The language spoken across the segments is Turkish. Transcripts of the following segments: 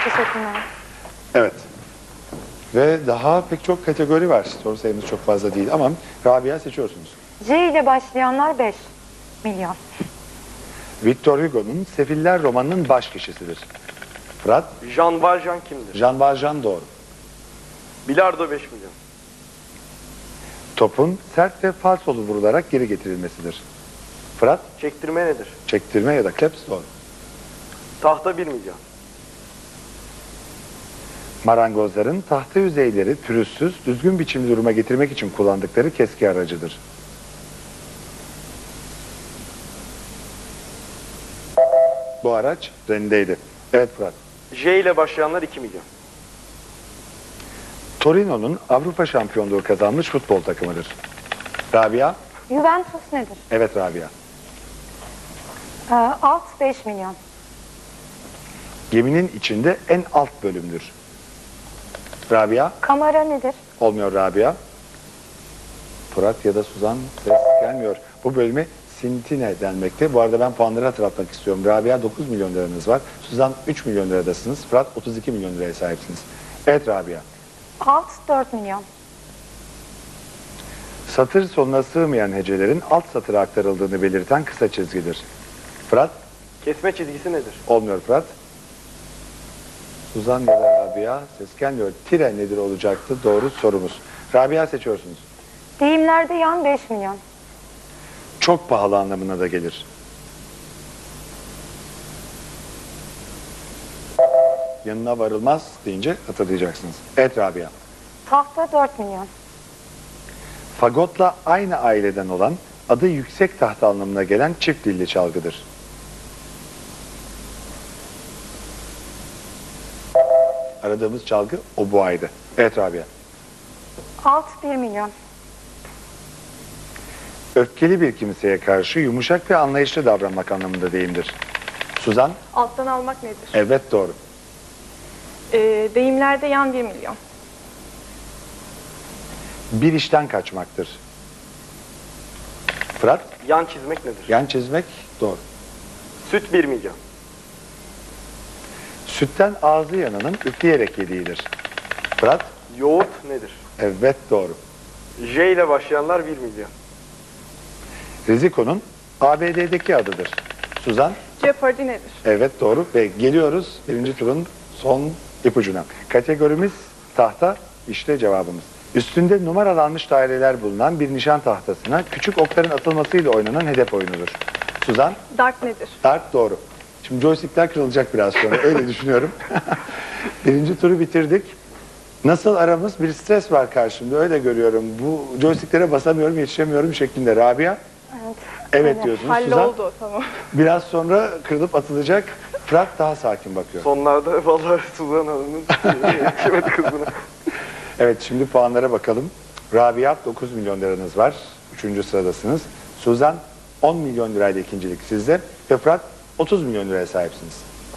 Teşekkürler. Evet. Ve daha pek çok kategori var. Soru sayımız çok fazla değil ama Rabia seçiyorsunuz. C ile başlayanlar 5 milyon. Victor Hugo'nun Sefiller romanının baş kişisidir. Fırat, Jean Valjean kimdir? Jean Valjean doğru. Bilardo 5 milyon. Topun sert ve falsolu vurularak geri getirilmesidir. Fırat, Çektirme nedir? çektirme ya da kleps doğru. Tahta 1 milyon. Marangozların tahta yüzeyleri pürüzsüz, düzgün biçimli duruma getirmek için kullandıkları keski aracıdır. Bu araç rendeydi. Evet Fırat. J ile başlayanlar 2 milyon. Torino'nun Avrupa şampiyonluğu kazanmış futbol takımıdır. Rabia. Juventus nedir? Evet Rabia. Alt 5 milyon. Geminin içinde en alt bölümdür. Rabia. Kamera nedir? Olmuyor Rabia. Fırat ya da Suzan ses gelmiyor. Bu bölüme Sintine denmekte. Bu arada ben puanları hatırlatmak istiyorum. Rabia 9 milyon liranız var. Suzan 3 milyon liradasınız. Fırat 32 milyon liraya sahipsiniz. Evet Rabia. Alt 4 milyon. Satır sonuna sığmayan hecelerin alt satıra aktarıldığını belirten kısa çizgidir. Fırat. Kesme çizgisi nedir? Olmuyor Fırat. Suzan ya da Rabia ses gelmiyor. Tire nedir olacaktı? Doğru sorumuz. Rabia seçiyorsunuz. Deyimlerde yan 5 milyon. Çok pahalı anlamına da gelir. Yanına varılmaz deyince hatırlayacaksınız. Evet Rabia. Tahta 4 milyon. Fagotla aynı aileden olan adı yüksek tahta anlamına gelen çift dilli çalgıdır. Aradığımız çalgı oboaydı. Evet Rabia. Alt 1 milyon. Öfkeli bir kimseye karşı yumuşak ve anlayışlı davranmak anlamında deyimdir. Suzan. Alttan almak nedir? Evet doğru. Deyimlerde yan 1 milyon. Bir işten kaçmaktır. Fırat. Yan çizmek nedir? Yan çizmek doğru. Süt 1 milyon. Sütten ağzı yananın üfleyerek yediğidir. Fırat. Yoğurt nedir? Evet doğru. J ile başlayanlar 1 milyon. Riziko'nun ABD'deki adıdır. Suzan. Jeopardy nedir? Evet doğru ve geliyoruz birinci turun son ipucuna. Kategorimiz tahta, işte cevabımız. Üstünde numaralanmış daireler bulunan bir nişan tahtasına küçük okların atılmasıyla oynanan hedef oyunudur. Suzan. Dart nedir? Dart doğru. Şimdi joystickler kırılacak biraz sonra öyle düşünüyorum. Birinci turu bitirdik. Nasıl aramız? Bir stres var karşımda öyle görüyorum. Bu joysticklere basamıyorum, yetişemiyorum şeklinde. Rabia? Evet. Evet diyorsunuz. Suzan Halloldu, tamam. biraz sonra kırılıp atılacak. Fırat daha sakin bakıyor. Sonlarda vallahi Suzan Hanım'ın yetişemedi kızına. Evet şimdi puanlara bakalım. Rabia 9 milyon liranız var. 3. sıradasınız. Suzan 10 milyon lirayla ikincilik sizde. Ve Fırat 30 milyon liraya sahipsiniz.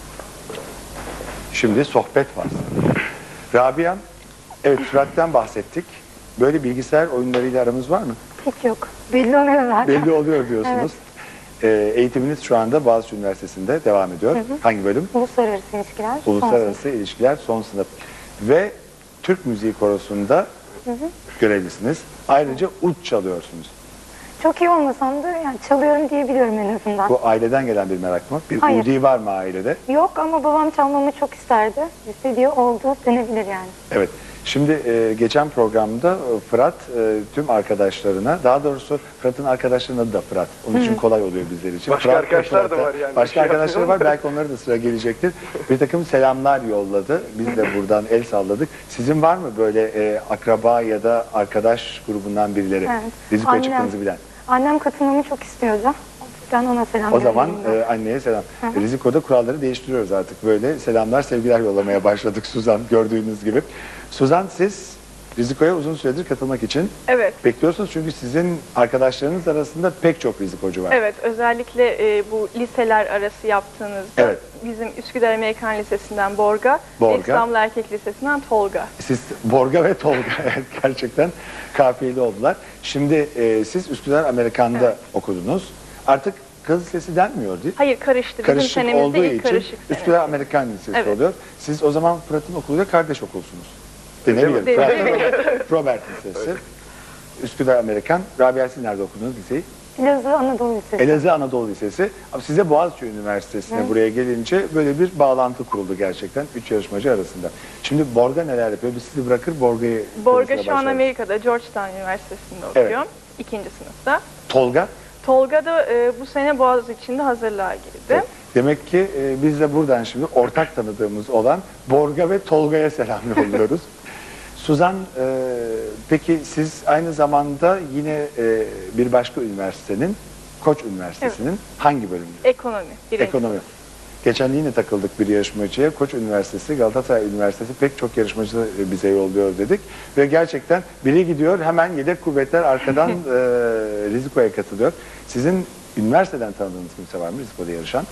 Şimdi sohbet var. Rabia, evet Fırat'tan bahsettik. Böyle bilgisayar oyunlarıyla aramız var mı? Hiç yok. Belli oluyor zaten. Belli oluyor diyorsunuz. Eğitiminiz şu anda Boğaziçi Üniversitesi'nde devam ediyor. Hangi bölüm? Uluslararası ilişkiler. son Uluslararası sınıf. İlişkiler son sınıf. Ve Türk Müziği Korosu'nda görevlisiniz. Ayrıca ud çalıyorsunuz. Çok iyi olmasam da yani çalıyorum diyebiliyorum en azından. Bu aileden gelen bir merak mı? Bir Hayır. udi var mı ailede? Yok ama babam çalmamı çok isterdi. İstediği oldu denebilir yani. Evet. Şimdi geçen programda Fırat tüm arkadaşlarına, daha doğrusu Fırat'ın arkadaşlarının adı da Fırat. Onun için kolay oluyor bizler için. Başka Fırat, arkadaşlar da Fırat'a- var yani. Başka arkadaşları var. Belki onlara da sıra gelecektir. Bir takım selamlar yolladı. Biz de buradan el salladık. Sizin var mı böyle akraba ya da arkadaş grubundan birileri? Evet. Riziko'ya Annem. çıktığınızı bilen. Annem katılmamı çok istiyordu. Ben ona selam O zaman göndereyim ben. anneye selam. Riziko'da kuralları değiştiriyoruz artık. Böyle selamlar, sevgiler yollamaya başladık Suzan gördüğünüz gibi. Suzan siz Riziko'ya uzun süredir katılmak için Evet. bekliyorsunuz. Çünkü sizin arkadaşlarınız arasında pek çok rizikocu var. Evet, özellikle bu liseler arası yaptığınızda Evet. bizim Üsküdar Amerikan Lisesi'nden Borga, Borga. ve İstanbul Erkek Lisesi'nden Tolga. Siz Borga ve Tolga evet, gerçekten kafiyeli oldular. Şimdi siz Üsküdar Amerikan'da okudunuz. Artık Kız Lisesi denmiyor değil mi? Hayır, karıştı. Bizim Karışık senemizde olduğu ilk için karışık Üsküdar senesi. Amerikan Lisesi Evet. oluyor. Siz o zaman Fırat'ın okuluyla kardeş okulsunuz. Denebilir. Değil mi? Fırat Robert Lisesi. Üsküdar Amerikan. Rabia siz nerede okudunuz liseyi? Elazığ Anadolu Lisesi. Elazığ Anadolu Lisesi. Ama size Boğaziçi Üniversitesi'ne buraya gelince böyle bir bağlantı kuruldu gerçekten 3 yarışmacı arasında. Şimdi Borga neler yapıyor? Biz sizi bırakır Borga'yı Borga konuşmaya şu an başlarız. Amerika'da Georgetown Üniversitesi'nde Evet. okuyor. 2. sınıfta. Tolga. Tolga da bu sene Boğaziçi'nde hazırlığa girdi. Evet. Demek ki biz de buradan şimdi ortak tanıdığımız olan Borga ve Tolga'ya selam yolluyoruz. Suzan, peki siz aynı zamanda yine bir başka üniversitenin, Koç Üniversitesi'nin hangi bölümünde? Ekonomi. Birinci. Ekonomi. Geçen yine takıldık bir yarışmacıya. Koç Üniversitesi, Galatasaray Üniversitesi pek çok yarışmacı bize yolluyor dedik. Ve gerçekten biri gidiyor hemen yedek kuvvetler arkadan Riziko'ya katılıyor. Sizin üniversiteden tanıdığınız kimse var mı Riziko'da yarışan?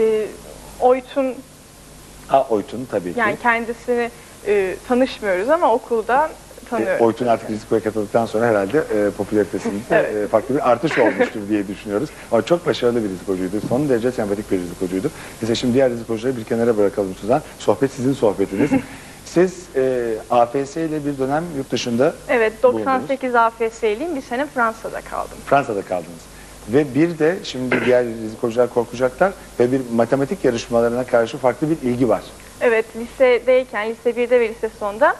Oytun, Oytun tabii ki. yani kendisini tanışmıyoruz ama okulda tanıyoruz. Oytun artık Riziko'ya katıldıktan sonra herhalde popülaritesinde Evet. farklı bir artış olmuştur diye düşünüyoruz. Ama çok başarılı bir rizikocuydu. Son derece sempatik bir rizikocuydu. Neyse şimdi diğer rizikocuları bir kenara bırakalım Suzan. Sohbet sizin sohbetiniz. Siz AFS ile bir dönem yurt dışında Evet, bulundunuz. 98 AFS'liyim. Bir sene Fransa'da kaldım. Fransa'da kaldınız. Ve bir de şimdi diğer rizikocular korkacaklar ve bir matematik yarışmalarına karşı farklı bir ilgi var. Evet, lisedeyken, lise 1'de ve lise sonda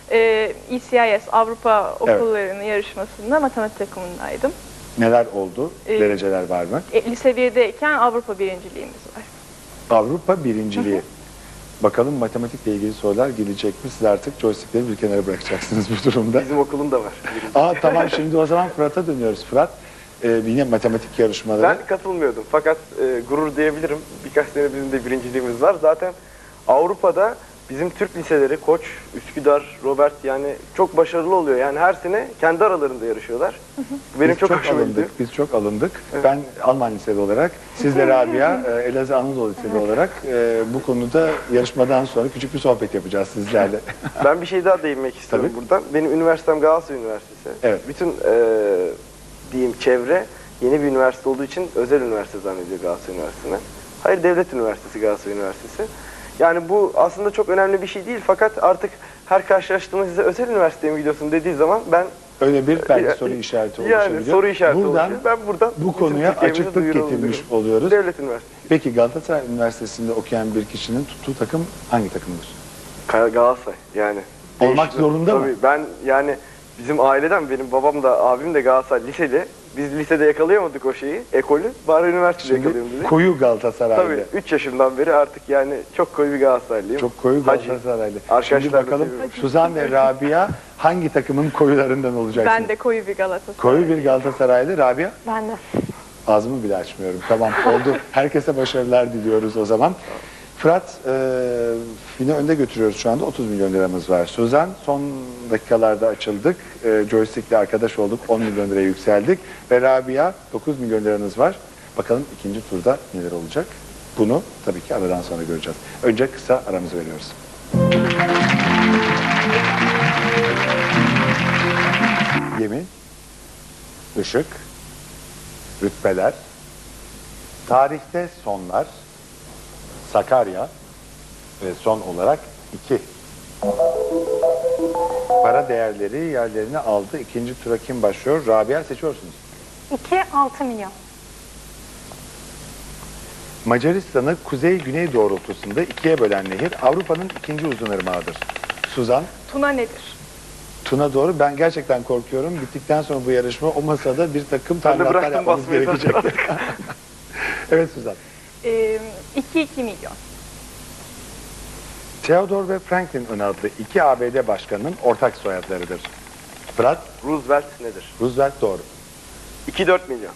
ECIS Avrupa okullarının yarışmasında matematik takımındaydım. Neler oldu? Ee, Dereceler var mı? Lise 1'deyken Avrupa birinciliğimiz var. Avrupa birinciliği. Bakalım matematikle ilgili sorular gelecek mi? Siz artık joystickleri bir kenara bırakacaksınız bu durumda. Bizim okulun da var. Tamam şimdi o zaman Fırat'a dönüyoruz. Fırat, yine matematik yarışmaları. Ben katılmıyordum fakat gurur diyebilirim. Birkaç sene bizim de birinciliğimiz var. Zaten Avrupa'da bizim Türk liseleri Koç, Üsküdar, Robert yani çok başarılı oluyor. Yani her sene kendi aralarında yarışıyorlar. Bu benim Biz çok hoşuma gidiyor. alındık. Biz çok alındık. Ben Alman liseli olarak, siz de Rabia, Elazığ Anadolu Liseli olarak bu konuda yarışmadan sonra küçük bir sohbet yapacağız sizlerle. Ben bir şey daha değinmek istiyorum Tabii. buradan. Benim üniversitem Galatasaray Üniversitesi. Evet. Bütün diyeyim çevre yeni bir üniversite olduğu için özel üniversite zannediyor Galatasaray Üniversitesi'ne. Hayır, devlet üniversitesi Galatasaray Üniversitesi. Yani bu aslında çok önemli bir şey değil fakat artık her karşılaştığımız size özel üniversiteye mi gidiyorsun dediği zaman ben Öyle bir belki soru işareti oluşabiliyor. yani soru işareti Buradan oluşuyor. Ben buradan bu bütün konuya Türkiye'mize açıklık duyuralım getirmiş diyorum. oluyoruz. Devlet üniversitesi. Peki Galatasaray Üniversitesi'nde okuyan bir kişinin tuttuğu takım hangi takımdır? Galatasaray yani. Olmak Değişti. zorunda mı? Tabii ben yani bizim aileden benim babam da abim de Galatasaray liseli. Biz lisede yakalayamadık o şeyi, ekolü. Bari üniversitede yakalayalım Şimdi dedik. koyu Galatasaraylı. Tabii 3 yaşımdan beri artık yani çok koyu bir Galatasaraylıyım. Çok koyu Hacı. Galatasaraylı. Arkadaşlar Şimdi da bakalım seviyorum. Suzan ve Rabia hangi takımın koyularından olacaksınız? Ben de koyu bir Galatasaray. Koyu bir Galatasaraylı. Rabia? Ben de. Ağzımı bile açmıyorum. Tamam oldu. Herkese başarılar diliyoruz o zaman. Fırat, yine önde götürüyoruz şu anda. 30 milyon liramız var. Suzan, son dakikalarda açıldık. Joystick'le arkadaş olduk. 10 milyon liraya yükseldik. Ve Rabia, 9 milyon liranız var. Bakalım ikinci turda neler olacak? Bunu tabii ki aradan sonra göreceğiz. Önce kısa aramızı veriyoruz. Gemi, ışık, rütbeler, tarihte sonlar, Sakarya ve son olarak 2. Para değerleri yerlerini aldı. İkinci tura kim başlıyor? Rabia seçiyorsunuz. 2-6 milyon. Macaristan'ı kuzey-güney doğrultusunda ikiye bölen nehir Avrupa'nın ikinci uzunırmağıdır. Suzan, Tuna nedir? Tuna doğru. Ben gerçekten korkuyorum. Bittikten sonra bu yarışma o masada bir takım Ben de talimatlar bıraktım yapmamız basmayı gerekecek. Evet Suzan. 2 milyon. Theodore ve Franklin ön adlı iki ABD başkanının ortak soyadlarıdır. Fırat, Roosevelt nedir? Roosevelt doğru. 2-4 milyon.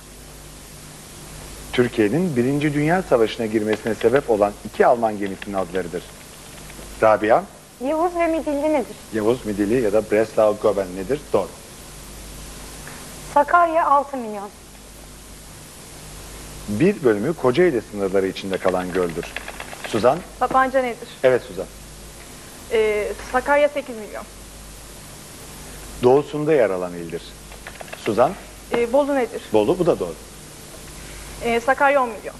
Türkiye'nin Birinci Dünya Savaşı'na girmesine sebep olan iki Alman gemisinin adlarıdır. Rabia, Yavuz ve Midilli nedir? Yavuz Midilli ya da Breslau-Goben nedir? Doğru. Sakarya 6 milyon. Bir bölümü Kocaeli sınırları içinde kalan göldür. Suzan, Sapanca nedir? evet Suzan. Sakarya 8 milyon. Doğusunda yer alan ildir. Suzan, Bolu nedir? Bolu bu da doğru. Sakarya 10 milyon.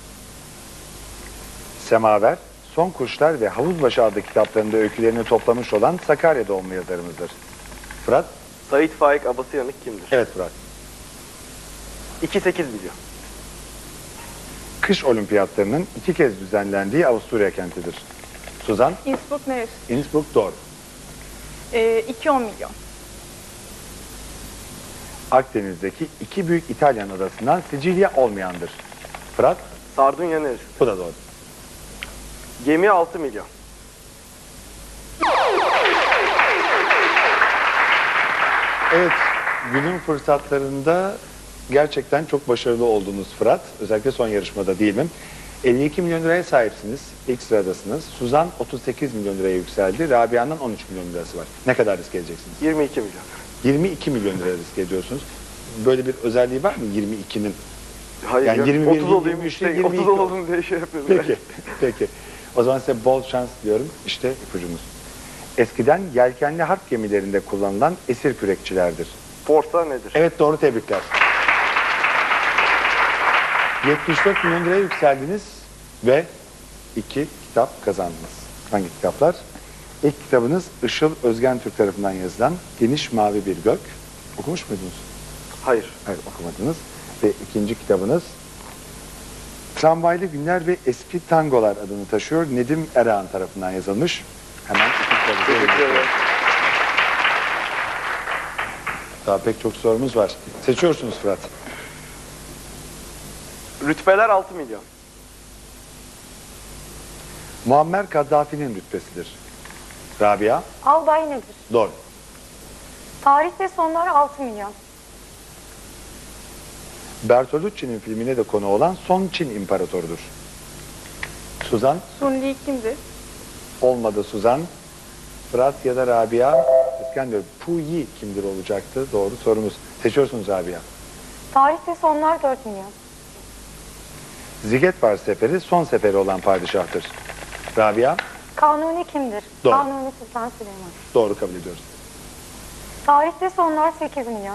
Semaver, Son Kuşlar ve Havuzbaşı adlı kitaplarında öykülerini toplamış olan Sakarya doğumlu yazarımızdır. Fırat? Sait Faik Abasıyanık kimdir? Evet Fırat. 2,8 milyon. Kış olimpiyatlarının 2 kez düzenlendiği Avusturya kentidir. Suzan? Innsbruck neresi? Innsbruck doğru. 2,10 milyon. Akdeniz'deki 2 büyük İtalyan adasından Sicilya olmayandır. Fırat? Sardunya neresi? Bu da doğru. Gemi 6 milyon. Evet, günün fırsatlarında gerçekten çok başarılı oldunuz Fırat. Özellikle son yarışmada değil mi? 52 milyon liraya sahipsiniz. İlk sıradasınız. Suzan 38 milyon liraya yükseldi. Rabia'nın 13 milyon lirası var. Ne kadar risk edeceksiniz? 22 milyon. 22 milyon liraya risk ediyorsunuz. Böyle bir özelliği var mı 22'nin? Hayır Yani ya, 21 30 olayım, 23 işte, değil, 22 30 olalım diye şey yapıyorum. Peki, peki. O zaman size bol şans diyorum. İşte ipucumuz. Eskiden yelkenli harp gemilerinde kullanılan esir kürekçilerdir. Forsa nedir? Evet doğru, tebrikler. 74 milyon liraya yükseldiniz ve 2 kitap kazandınız. Hangi kitaplar? İlk kitabınız Işıl Özgen Türk tarafından yazılan Geniş Mavi Bir Gök. Okumuş muydunuz? Hayır. Hayır, okumadınız. Ve ikinci kitabınız Tramvaylı Günler ve Eski Tangolar adını taşıyor. Nedim Erağan tarafından yazılmış. Hemen iki kitabı Teşekkür ederim. Daha pek çok sorumuz var. Seçiyorsunuz Fırat. Rütbeler 6 milyon. Muammer Kaddafi'nin rütbesidir. Rabia. Albay nedir? Doğru. Tarih ve sonlar 6 milyon. Bertolucci'nin filmine de konu olan Son Çin İmparatorudur. Suzan. Sun Li kimdir? Olmadı Suzan. Fırat ya da Rabia. İskender Pu Yi kimdir olacaktı? Doğru sorumuz. Seçiyorsunuz Rabia. Tarih ve sonlar 4 milyon. Zigetvar Seferi son seferi olan padişahtır. Rabia. Kanuni kimdir? Doğru. Kanuni Sultan Süleyman. Doğru kabul ediyoruz. Tarih ve sonlar 8 milyon.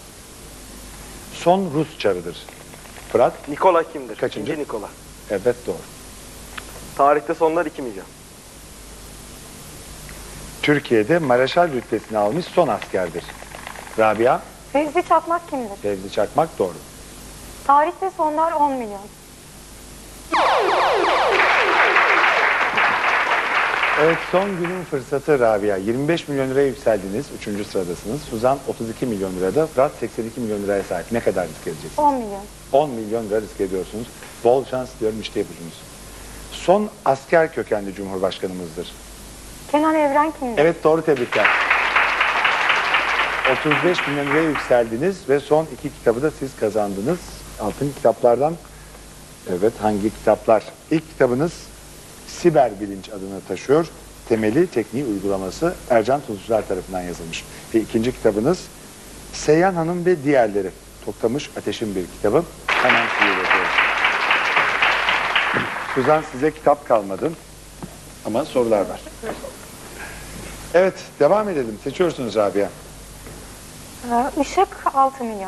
Son Rus çarıdır. Fırat. Nikola kimdir? Kaçıncı? İkinci Nikola. Evet doğru. Tarihte sonlar 2 milyon. Türkiye'de Mareşal rütbesini almış son askerdir. Rabia. Fevzi Çakmak kimdir? Fevzi Çakmak doğru. Tarih ve sonlar 10 milyon. Evet, son günün fırsatı Rabia. 25 milyon liraya yükseldiniz. 3. sıradasınız. Suzan 32 milyon lirada. Fırat 82 milyon liraya sahip. Ne kadar risk edeceksiniz? 10 milyon. 10 milyon lira risk ediyorsunuz. Bol şans diyorum, işte ipucunuz. Son asker kökenli cumhurbaşkanımızdır. Kenan Evren kimdir? Evet doğru, tebrikler. 35 milyon liraya yükseldiniz ve son 2 kitabı da siz kazandınız. Altın kitaplardan. Evet, hangi kitaplar? İlk kitabınız Siber Bilinç adını taşıyor. Temeli, tekniği, uygulaması Ercan Tuzcular tarafından yazılmış. Ve ikinci kitabınız Seyyan Hanım ve Diğerleri. Toklamış Ateş'in bir kitabı. Hemen size iletiyorum. Suzan, size kitap kalmadı ama sorular var. Evet, devam edelim. Seçiyorsunuz Rabia. Işık 6 milyon.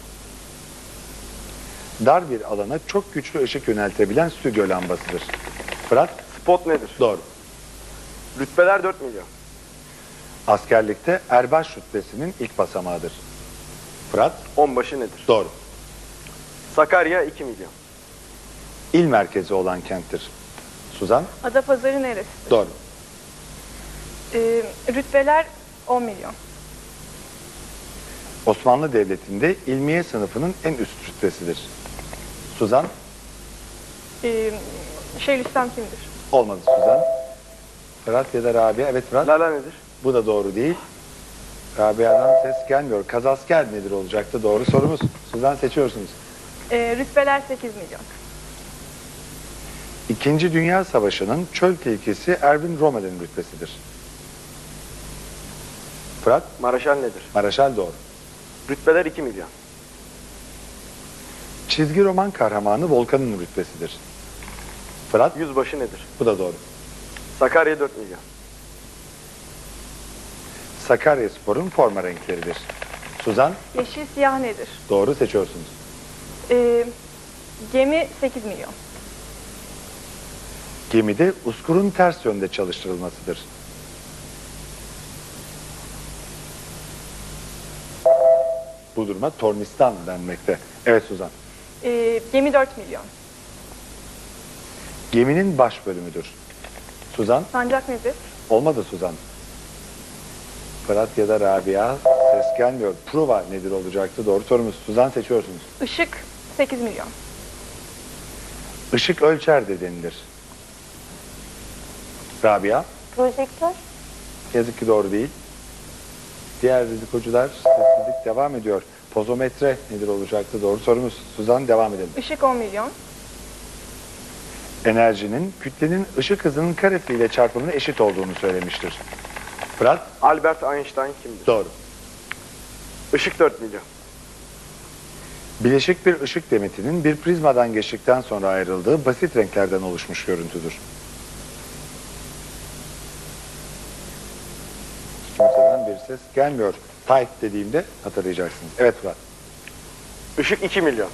Dar bir alana çok güçlü ışık yöneltebilen stüdyo lambasıdır. Fırat. Spot nedir? Doğru. Rütbeler 4 milyon. Askerlikte erbaş rütbesinin ilk basamağıdır. Fırat. Onbaşı nedir? Doğru. Sakarya 2 milyon. İl merkezi olan kenttir. Suzan. Adapazarı neresi? Doğru. Rütbeler 10 milyon. Osmanlı Devleti'nde ilmiye sınıfının en üst rütbesidir. Suzan. Şeyhülislam kimdir? Olmadı Suzan. Fırat ya da Rabia. Evet Fırat. Lala nedir? Bu da doğru değil. Rabia'dan ses gelmiyor. Kazasker nedir olacaktı? Doğru sorumuz. Suzan, seçiyorsunuz. Rütbeler 8 milyon. İkinci Dünya Savaşı'nın çöl tehlikesi Erwin Rommel'in rütbesidir. Fırat. Maraşal nedir? Maraşal doğru. Rütbeler 2 milyon. Çizgi roman kahramanı Volkan'ın rütbesidir. Fırat. Yüzbaşı nedir? Bu da doğru. Sakarya 4 milyon. Sakaryaspor'un forma renkleridir. Suzan. Yeşil siyah nedir? Doğru, seçiyorsunuz. Gemi 8 milyon. Gemide uskurun ters yönde çalıştırılmasıdır. Bu duruma tornistan denmekte. Evet Suzan. Gemi 4 milyon. Geminin baş bölümüdür. Suzan. Sancak nedir? Olmadı Suzan. Fırat ya da Rabia, ses gelmiyor. Prova nedir olacaktı? Doğru sorumuz. Suzan, seçiyorsunuz. Işık 8 milyon. Işık ölçer de denilir. Rabia. Projektör. Yazık ki doğru değil. Diğer rizikocular, sessizlik devam ediyor. Pozometre nedir olacaktı? Doğru sorumuz. Suzan, devam edelim. Işık 10 milyon. Enerjinin kütlenin ışık hızının karesiyle çarpımının eşit olduğunu söylemiştir. Fırat. Albert Einstein kimdir? Doğru. Işık 4 milyon. Bileşik bir ışık demetinin bir prizmadan geçtikten sonra ayrıldığı basit renklerden oluşmuş görüntüdür. Kimseden bir ses gelmiyor. Type dediğimde hatırlayacaksınız. Evet Fırat. Işık 2 milyon.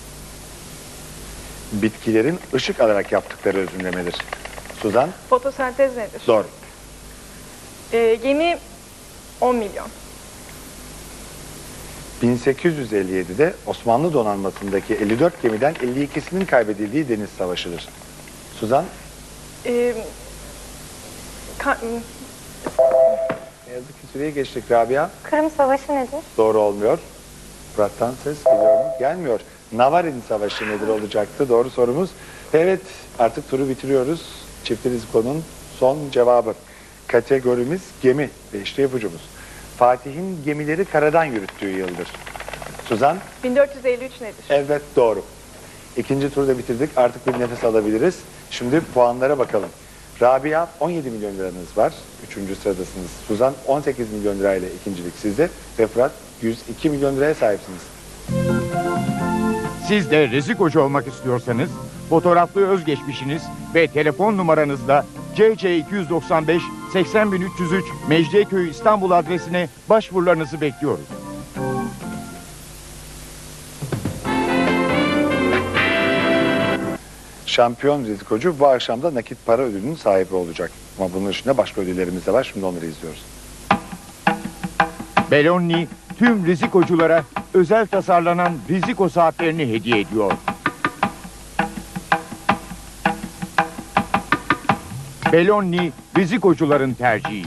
Bitkilerin ışık alarak yaptıkları özümlemedir. Suzan. Fotosentez nedir? Doğru. Gemi 10 milyon. 1857'de Osmanlı donanmasındaki 54 gemiden 52'sinin kaybedildiği deniz savaşıdır. Suzan. Ee, ka- Ne yazık ki süreyi geçtik. Rabia. Kırım Savaşı nedir? Doğru olmuyor. Fırat'tan ses geliyor mu? Gelmiyor. Navarin Savaşı nedir olacaktı? Doğru sorumuz. Evet, artık turu bitiriyoruz. Çiftli Riziko'nun son cevabı. Kategorimiz gemi ve işte ipucumuz. Fatih'in gemileri karadan yürüttüğü yıldır. Suzan. 1453 nedir? Evet, doğru. İkinci turda bitirdik. Artık bir nefes alabiliriz. Şimdi puanlara bakalım. Rabia 17 milyon liranız var. Üçüncü sıradasınız. Suzan 18 milyon lirayla ikincilik sizde. Ve Fırat 102 milyon liraya sahipsiniz. Siz de Rizikocu olmak istiyorsanız fotoğraflı özgeçmişiniz ve telefon numaranızla CC 295 80303 Mecidiyeköy İstanbul adresine başvurularınızı bekliyoruz. Şampiyon rizikocu bu akşam da nakit para ödülünün sahibi olacak. Ama bunun dışında başka ödüllerimiz de var. Şimdi onları izliyoruz. Belloni tüm rizikoculara özel tasarlanan riziko saatlerini hediye ediyor. Belloni rizikocuların tercihi.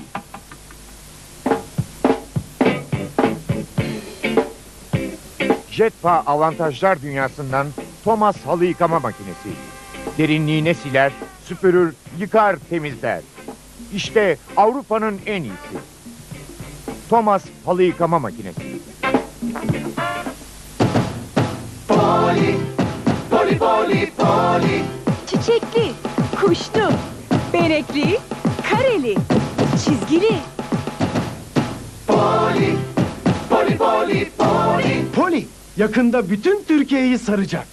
Jetpa avantajlar dünyasından Thomas halı yıkama makinesi. Derinliğine siler, süpürür, yıkar, temizler. İşte Avrupa'nın en iyisi. Thomas halı yıkama makinesi. Çiçekli, kuşlu, benekli, kareli, çizgili. Poli yakında bütün Türkiye'yi saracak.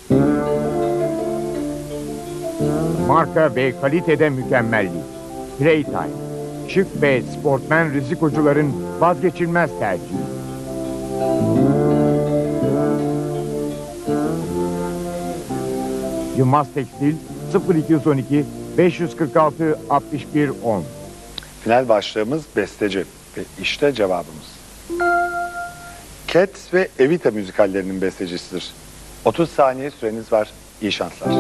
Marka ve kalitede mükemmellik. Playtime. Şık ve sportmen rizikocuların vazgeçilmez tercihi. Yılmaz Tekstil 0212 546 61 10. Final başlığımız besteci ve işte cevabımız. Cats ve Evita müzikallerinin bestecisidir. 30 saniye süreniz var. İyi şanslar.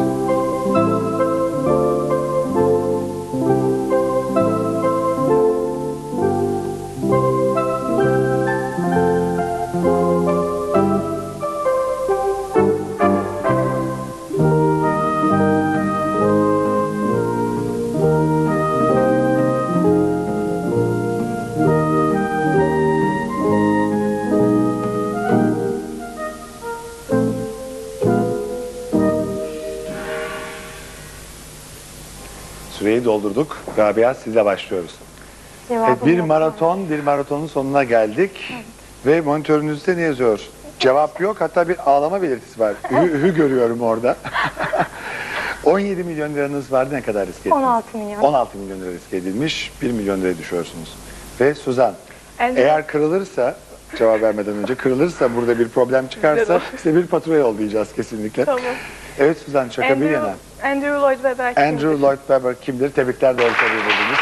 Süreyi doldurduk. Rabia, sizle başlıyoruz. Cevabım Evet, bir yok. maratonun sonuna geldik. Ve monitörünüzde ne yazıyor? Cevap yok, hatta bir ağlama belirtisi var. Hü görüyorum orada. 17 milyon liranız vardı, ne kadar riske ettiniz? 16 milyon. 16 milyon lira riske edilmiş, 1 milyon liraya düşüyorsunuz. Ve Suzan, Elde- eğer kırılırsa cevap vermeden önce. Kırılırsa, burada bir problem çıkarsa size bir fatura yollayacağız kesinlikle. Tamam. Evet Suzan, şaka bir yana. Andrew Lloyd Webber kimdir? Andrew Lloyd Webber kimdir? Tebrikler, doğru soruyu buldunuz.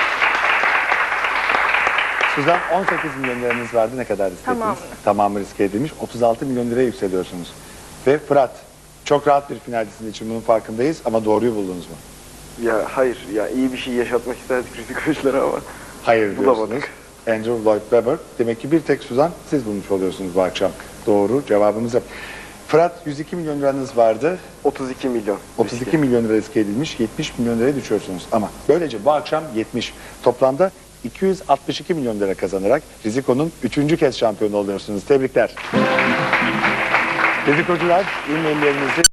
Suzan, 18 milyon liranız vardı. Ne kadar riske Tamamını. ettiniz? Tamamı riske edilmiş. 36 milyon liraya yükseliyorsunuz. Ve Fırat, çok rahat bir finalcisinin için bunun farkındayız ama doğruyu buldunuz mu? Ya hayır, ya iyi bir şey yaşatmak isterdik rizik oyunculara ama Hayır diyorsunuz. bulamadık. Andrew Lloyd Webber. Demek ki bir tek Suzan siz bulmuş oluyorsunuz bu akşam. Doğru cevabımızı. Fırat, 102 milyon liranız vardı. 32 milyon. 32 milyon lira riske edilmiş. 70 milyon liraya düşüyorsunuz. Ama böylece bu akşam 70. Toplamda 262 milyon lira kazanarak Riziko'nun 3. kez şampiyonu oluyorsunuz. Tebrikler. Rizikocular, e-maillerinizi